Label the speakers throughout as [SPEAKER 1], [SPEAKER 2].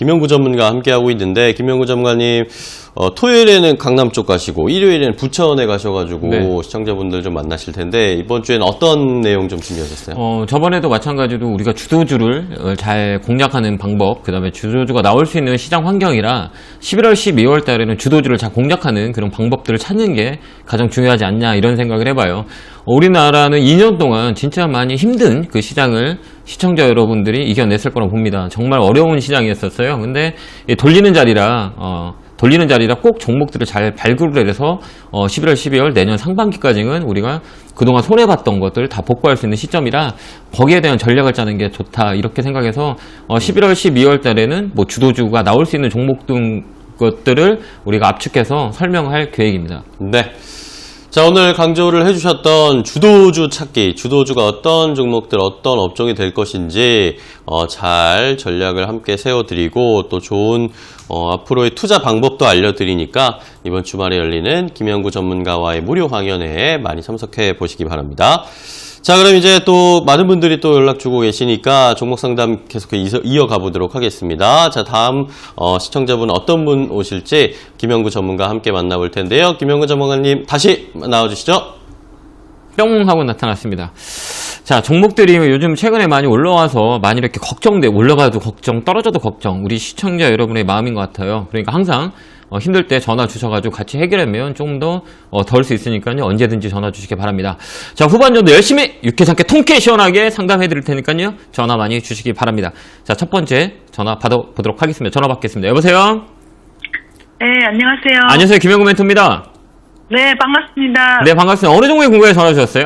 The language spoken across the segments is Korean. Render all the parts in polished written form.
[SPEAKER 1] 김영구 전문가와 함께하고 있는데, 김영구 전문가님, 토요일에는 강남 쪽 가시고, 일요일에는 부천에 가셔가지고,
[SPEAKER 2] 네.
[SPEAKER 1] 시청자분들 좀 만나실 텐데, 이번 주에는 어떤 내용 좀 준비하셨어요?
[SPEAKER 2] 저번에도 마찬가지로 우리가 주도주를 잘 공략하는 방법, 그 다음에 주도주가 나올 수 있는 시장 환경이라 11월, 12월 달에는 주도주를 잘 공략하는 그런 방법들을 찾는 게 가장 중요하지 않냐, 이런 생각을 해봐요. 우리나라는 2년 동안 진짜 많이 힘든 그 시장을 시청자 여러분들이 이겨냈을 거라고 봅니다. 정말 어려운 시장이었었어요. 근데 돌리는 자리라 꼭 종목들을 잘 발굴을 해서 11월, 12월 내년 상반기까지는 우리가 그동안 손해봤던 것들 다 복구할 수 있는 시점이라 거기에 대한 전략을 짜는 게 좋다, 이렇게 생각해서 11월, 12월 달에는 뭐 주도주가 나올 수 있는 종목 등 것들을 우리가 압축해서 설명할 계획입니다.
[SPEAKER 1] 네. 자, 오늘 강조를 해주셨던 주도주 찾기, 주도주가 어떤 종목들, 어떤 업종이 될 것인지 잘 전략을 함께 세워드리고 또 좋은 앞으로의 투자 방법도 알려드리니까 이번 주말에 열리는 김영구 전문가와의 무료 강연회에 많이 참석해 보시기 바랍니다. 자, 그럼 이제 또 많은 분들이 또 연락 주고 계시니까 종목 상담 계속 이어가 보도록 하겠습니다. 자, 다음 시청자분 어떤 분 오실지 김영구 전문가 함께 만나볼 텐데요. 김영구 전문가님 다시 나와주시죠.
[SPEAKER 2] 뿅 하고 나타났습니다. 자, 종목들이 요즘 최근에 많이 올라와서 많이 이렇게 올라가도 걱정, 떨어져도 걱정, 우리 시청자 여러분의 마음인 것 같아요. 그러니까 항상 힘들 때 전화 주셔가지고 같이 해결하면 조금 더 덜 수 있으니까요. 언제든지 전화 주시기 바랍니다. 자, 후반전도 열심히 유쾌상쾌 통쾌 시원하게 상담해 드릴 테니까요. 전화 많이 주시기 바랍니다. 자, 첫 번째 전화 받아보도록 하겠습니다. 전화 받겠습니다. 여보세요?
[SPEAKER 3] 네, 안녕하세요.
[SPEAKER 2] 안녕하세요. 김영구 멘토입니다.
[SPEAKER 3] 네, 반갑습니다.
[SPEAKER 2] 네, 반갑습니다. 어느 종목에 궁금해 전화 주셨어요?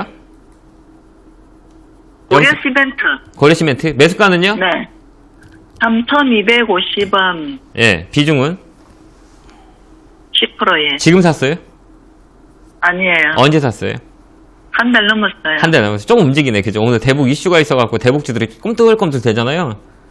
[SPEAKER 3] 고려 시멘트.
[SPEAKER 2] 고려 시멘트. 매수가는요?
[SPEAKER 3] 네. 3,250원.
[SPEAKER 2] 예, 비중은?
[SPEAKER 3] 10%예.
[SPEAKER 2] 지금 샀어요?
[SPEAKER 3] 아니에요.
[SPEAKER 2] 언제 샀어요?
[SPEAKER 3] 한 달 넘었어요.
[SPEAKER 2] 한 달 남았어요. 조금 움직이네, 그죠? 오늘 대북 이슈가 있어갖고 대북주들이 꿈틀꿈틀 되잖아요.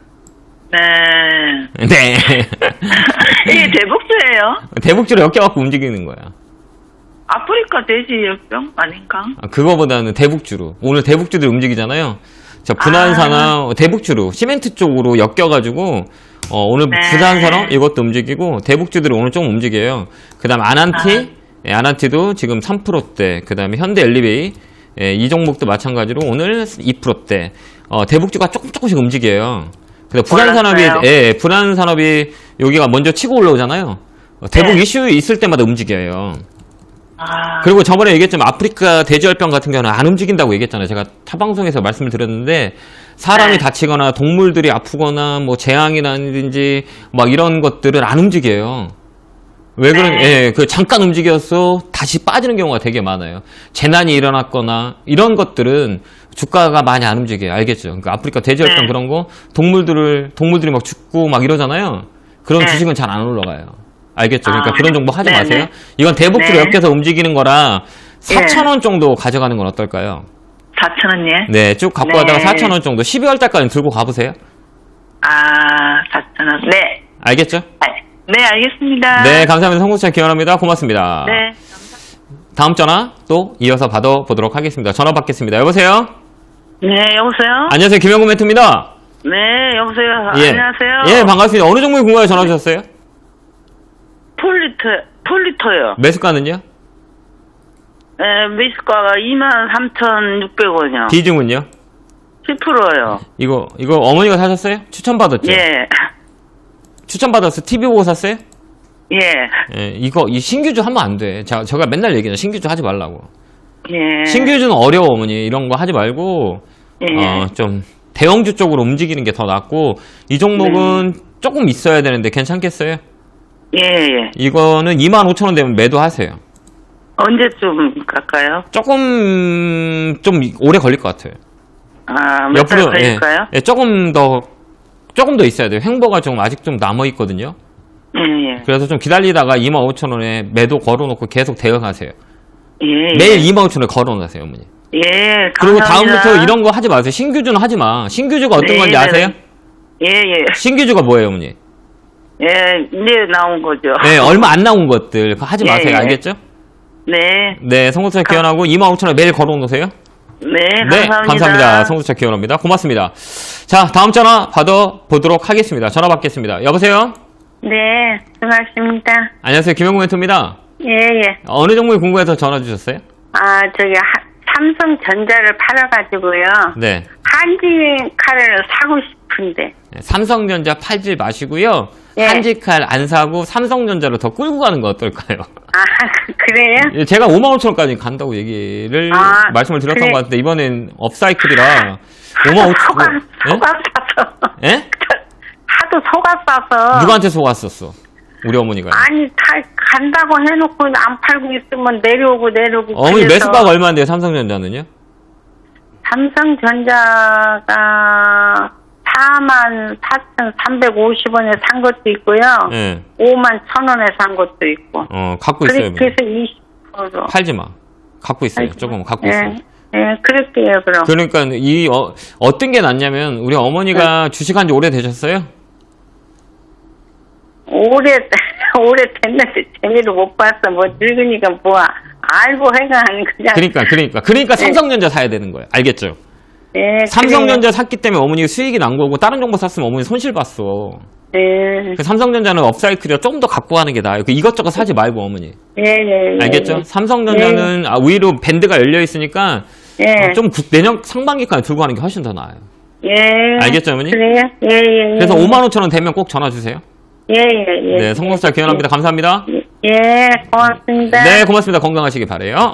[SPEAKER 3] 네.
[SPEAKER 2] 네.
[SPEAKER 3] 이게 대북주예요?
[SPEAKER 2] 대북주로 엮여갖고 움직이는 거야.
[SPEAKER 3] 아프리카 돼지 역병 아닌가?
[SPEAKER 2] 그거보다는 대북주로. 오늘 대북주들이 움직이잖아요. 자, 부산산업, 대북주로, 시멘트 쪽으로 엮여가지고, 오늘
[SPEAKER 3] 네.
[SPEAKER 2] 부산산업 이것도 움직이고, 대북주들이 오늘 좀 움직여요. 그 다음 아난티, 아난티도 지금 3%대, 그 다음에 현대 엘리베이, 이 종목도 마찬가지로 오늘 2%대, 대북주가 조금씩 움직여요. 그래서 부산산업이 여기가 먼저 치고 올라오잖아요. 대북
[SPEAKER 3] 네.
[SPEAKER 2] 이슈 있을 때마다 움직여요.
[SPEAKER 3] 아.
[SPEAKER 2] 그리고 저번에 얘기했지만 아프리카 돼지열병 같은 경우는 안 움직인다고 얘기했잖아요. 제가 타방송에서 말씀을 드렸는데 사람이
[SPEAKER 3] 네.
[SPEAKER 2] 다치거나 동물들이 아프거나 뭐 재앙이라든지 막 이런 것들은 안 움직여요. 왜 그런?
[SPEAKER 3] 네.
[SPEAKER 2] 그 잠깐 움직여서 다시 빠지는 경우가 되게 많아요. 재난이 일어났거나 이런 것들은 주가가 많이 안 움직여요. 알겠죠? 그러니까 아프리카 돼지열병
[SPEAKER 3] 네.
[SPEAKER 2] 그런 거 동물들이 막 죽고 막 이러잖아요. 그런
[SPEAKER 3] 네.
[SPEAKER 2] 주식은 잘 안 올라가요. 알겠죠? 그러니까 그런 정보 하지
[SPEAKER 3] 네네.
[SPEAKER 2] 마세요. 이건 대북주로
[SPEAKER 3] 네.
[SPEAKER 2] 엮여서 움직이는 거라 4,000원 정도 가져가는 건 어떨까요?
[SPEAKER 3] 4,000원예?
[SPEAKER 2] 네, 쭉 갖고
[SPEAKER 3] 네.
[SPEAKER 2] 가다가 4,000원 정도 12월 달까지 들고 가보세요.
[SPEAKER 3] 아, 4,000원. 네.
[SPEAKER 2] 알겠죠?
[SPEAKER 3] 네, 알겠습니다.
[SPEAKER 2] 네, 감사합니다. 성공차 기원합니다. 고맙습니다.
[SPEAKER 3] 네.
[SPEAKER 2] 다음 전화 또 이어서 받아보도록 하겠습니다. 전화 받겠습니다. 여보세요?
[SPEAKER 3] 네, 여보세요?
[SPEAKER 2] 안녕하세요. 김영구 멘토입니다.
[SPEAKER 3] 네, 여보세요?
[SPEAKER 2] 예.
[SPEAKER 3] 안녕하세요?
[SPEAKER 2] 예, 반갑습니다. 어느 종목에 궁금해 전화 주셨어요?
[SPEAKER 3] 폴리터요.
[SPEAKER 2] 매수가는요?
[SPEAKER 3] 네, 매수가가 23,600원이요.
[SPEAKER 2] 비중은요?
[SPEAKER 3] 10%요.
[SPEAKER 2] 이거 어머니가 사셨어요? 추천받았죠?
[SPEAKER 3] 예.
[SPEAKER 2] 추천받아서 TV 보고 샀어요?
[SPEAKER 3] 예.
[SPEAKER 2] 예, 이 신규주 하면 안 돼. 제가 맨날 얘기해요. 신규주 하지 말라고.
[SPEAKER 3] 예.
[SPEAKER 2] 신규주는 어려워, 어머니. 이런 거 하지 말고,
[SPEAKER 3] 예.
[SPEAKER 2] 좀, 대형주 쪽으로 움직이는 게 더 낫고, 이 종목은 조금 있어야 되는데 괜찮겠어요?
[SPEAKER 3] 예, 예.
[SPEAKER 2] 이거는 25,000원 되면 매도하세요.
[SPEAKER 3] 언제쯤 갈까요?
[SPEAKER 2] 조금, 좀 오래 걸릴 것 같아요.
[SPEAKER 3] 아, 몇 달 걸릴까요?
[SPEAKER 2] 예, 조금 더 있어야 돼요. 횡보가 좀 아직 좀 남아있거든요.
[SPEAKER 3] 예, 예.
[SPEAKER 2] 그래서 좀 기다리다가 25,000원에 매도 걸어놓고 계속 대응하세요.
[SPEAKER 3] 예, 예.
[SPEAKER 2] 매일 25,000원에 걸어놓으세요, 어머니.
[SPEAKER 3] 예,
[SPEAKER 2] 그리고
[SPEAKER 3] 감사합니다.
[SPEAKER 2] 다음부터 이런 거 하지 마세요. 신규주는 하지 마. 신규주가 어떤
[SPEAKER 3] 네,
[SPEAKER 2] 건지
[SPEAKER 3] 네,
[SPEAKER 2] 아세요?
[SPEAKER 3] 예, 예.
[SPEAKER 2] 신규주가 뭐예요, 어머니?
[SPEAKER 3] 예, 이제 나온 거죠.
[SPEAKER 2] 네, 얼마 안 나온 것들. 그거 하지
[SPEAKER 3] 예,
[SPEAKER 2] 마세요.
[SPEAKER 3] 예.
[SPEAKER 2] 알겠죠?
[SPEAKER 3] 네.
[SPEAKER 2] 네, 성수차 기원하고 25,000원에 매일 걸어놓으세요.
[SPEAKER 3] 네, 감사합니다.
[SPEAKER 2] 감사합니다. 성수차 기원합니다. 고맙습니다. 자, 다음 전화 받아보도록 하겠습니다. 전화 받겠습니다. 여보세요?
[SPEAKER 3] 네, 수고하십니다.
[SPEAKER 2] 안녕하세요. 김영구 멘토입니다.
[SPEAKER 3] 예, 예.
[SPEAKER 2] 어느 종목이 궁금해서 전화 주셨어요?
[SPEAKER 3] 아, 삼성전자를 팔아가지고요.
[SPEAKER 2] 네.
[SPEAKER 3] 한진칼을 사고 싶은데.
[SPEAKER 2] 삼성전자 팔지 마시고요.
[SPEAKER 3] 예.
[SPEAKER 2] 한지칼 안 사고 삼성전자로 더 끌고 가는 거 어떨까요?
[SPEAKER 3] 아, 그래요?
[SPEAKER 2] 제가 5만 5천원까지 간다고 얘기를 말씀을 드렸던
[SPEAKER 3] 그래.
[SPEAKER 2] 것 같은데 이번엔 업사이클이라 5만 5천
[SPEAKER 3] 속았어서.
[SPEAKER 2] 예?
[SPEAKER 3] 하도 속았어서.
[SPEAKER 2] 누구한테 속았었어? 우리 어머니가.
[SPEAKER 3] 아니, 다 간다고 해놓고 안 팔고 있으면 내려오고.
[SPEAKER 2] 어머니
[SPEAKER 3] 그래서
[SPEAKER 2] 매수가가 얼마인데요? 삼성전자는요?
[SPEAKER 3] 삼성전자가 44,350원에 산 것도 있고요.
[SPEAKER 2] 예.
[SPEAKER 3] 51,000원에 산 것도 있고.
[SPEAKER 2] 갖고 있어요.
[SPEAKER 3] 그래서 20%.
[SPEAKER 2] 팔지 마. 갖고 있어요. 조금 갖고 있어요.
[SPEAKER 3] 예, 그럴게요, 그럼.
[SPEAKER 2] 그러니까 어떤 게 낫냐면 우리 어머니가 주식한 지 오래되셨어요?
[SPEAKER 3] 오래됐는데 재미로 못 봤어. 뭐 늙으니까 알고 해가 그냥.
[SPEAKER 2] 그러니까 삼성전자 사야 되는 거예요. 알겠죠?
[SPEAKER 3] 예,
[SPEAKER 2] 삼성전자 샀기 때문에 어머니가 수익이 난 거고 다른 정보 샀으면 어머니 손실 봤어.
[SPEAKER 3] 예,
[SPEAKER 2] 삼성전자는 업사이클이라 좀 더 갖고 가는 게 나아요. 이것저것 사지 말고 어머니.
[SPEAKER 3] 예.
[SPEAKER 2] 알겠죠? 삼성전자는 위로 밴드가 열려 있으니까
[SPEAKER 3] 예.
[SPEAKER 2] 좀 내년 상반기까지 들고 가는 게 훨씬 더 나아요.
[SPEAKER 3] 예.
[SPEAKER 2] 알겠죠, 어머니?
[SPEAKER 3] 그래요? 예.
[SPEAKER 2] 그래서 5만 5천 원 되면 꼭 전화 주세요.
[SPEAKER 3] 예.
[SPEAKER 2] 네, 성공살 기원합니다. 감사합니다.
[SPEAKER 3] 예, 고맙습니다.
[SPEAKER 2] 네, 고맙습니다. 건강하시기 바래요.